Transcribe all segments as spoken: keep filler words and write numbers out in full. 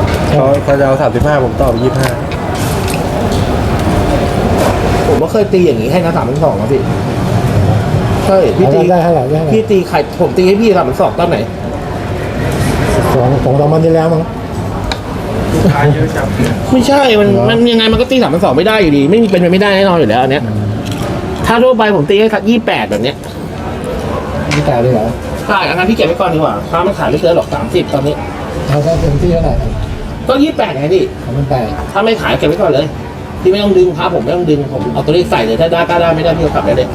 เขาเขาจะเอาสามสิบห้าผมต่อไปยี่สิบห้าผมก็เคยตีอย่างนี้ให้นะสามพันสองครับพี่ใช่พี่ตีได้เท่าไหร่ได้เท่าไหร่พี่ตีไข่ผมตีให้พี่สามพันสองตอนไหนสองสองสามวันที่แล้วมั้งไม่ใช่มันมันยังไงมันก็ตีสามพันสองไม่ได้อยู่ดี ไม่มีเป็นไปไม่ได้แน่นอนอยู่แล้วอันเนี้ยถ้าทั่วไปผมตีให้สักยี่แปดแบบเนี้ยนี่แต่เลยเหรอใช่อันนั้นพี่เก็บไว้ก่อนดีกว่าค้ามันขายไม่เกินหรอกสามสิบตอนนี้เขาก็เต็มที่เท่าไหร่ก็ยี่แปดไงพี่เขาไม่ไปถ้าไม่ขายเก็บไว้ก่อนเลยพี่ไม่ต้องดึงพาผมไม่ต้องดึงผมเอาตัวเลขใส่เลยถ้าได้ก็ได้ไม่ได้พี่ก็กลับได้เลย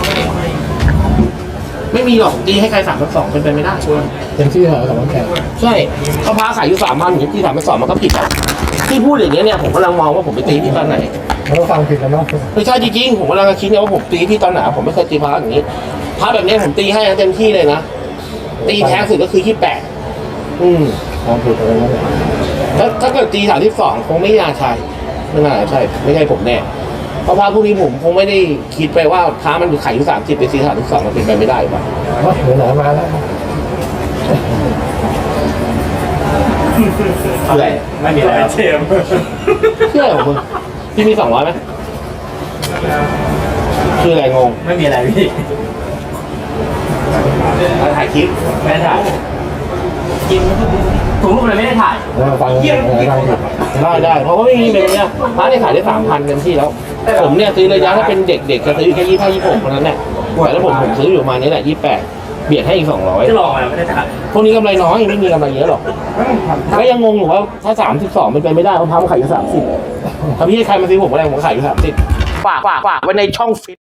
ไม่มีหรอกตีให้ใครสามพันสองเป็นไปไม่ได้ชัวร์เต็มที่เท่าไหร่สองพันแปดใช่เขาพาขายอยู่สามพันอย่างที่สามพันสองมันก็ผิดอ่ะที่พูดอย่างเงี้ยเนี่ยผมกำลังมองว่าผมไปตีที่ตอนไหนเขาก็ฟังผิดแล้วเนาะไม่ใช่จริงๆผมกำลังคิดเนี่ยว่าผมตีที่ตอนไหนผมไม่เคยตีพาอย่างนี้พาแบบนี้ผมตีให้เต็มที่เลยนะตีแท้สุดก็คือยี่แปดอืมฟังผิดอะไรนั่นแหละถ้าถ้าเกิดตีสามที่สองคงไม่น่าใช่ไม่น่าใช่ไม่ใช่ผมแน่เพราะพาพวกนี้ผมคงไม่ได้คิดไปว่าพามันขายอยู่สามสิบไปตีสามที่สองมันเป็นไปไม่ได้ป่ะว่าเหนือหนามาแล้วอะไรไม่มีอะไรเชมเชื่อของมึงพี่มีสองร้อยไหมคืออะไรงงไม่มีอะไรพี่มาถ่ายคลิปไม่ได้ถ่ายกินผมรูปเลยไม่ได้ถ่ายแล้วฟังอะไรฟังผิดได้ได้เพราะว่าไม่มีเป็นเนี้ยพาเนี่ยขายได้สามพันเต็มที่แล้ว ผมเนี่ยซื้อระยะถ้าเป็นเด็กๆจะซื้ออยู่แค่ยี่ห้ายี่หกเท่านั้นแหละแต่แล้วผมผมซื้ออยู่ประมาณนี้แหละยี่แปดเบียดให้อีกสองร้อยจะลองอะไรไม่ได้ถ่ายพวกนี้กำไรน้อยไม่มีกำไรเยอะหรอกก็ยังงงอยู่ว่าถ้าสามสิบสองเป็นไปไม่ได้เพราะพามันขายอยู่สามสิบถ้าพี่ให้ใครมาซื้อผมอะไรผมขายอยู่สามสิบฝากฝากฝากไว้ในช่องฟิต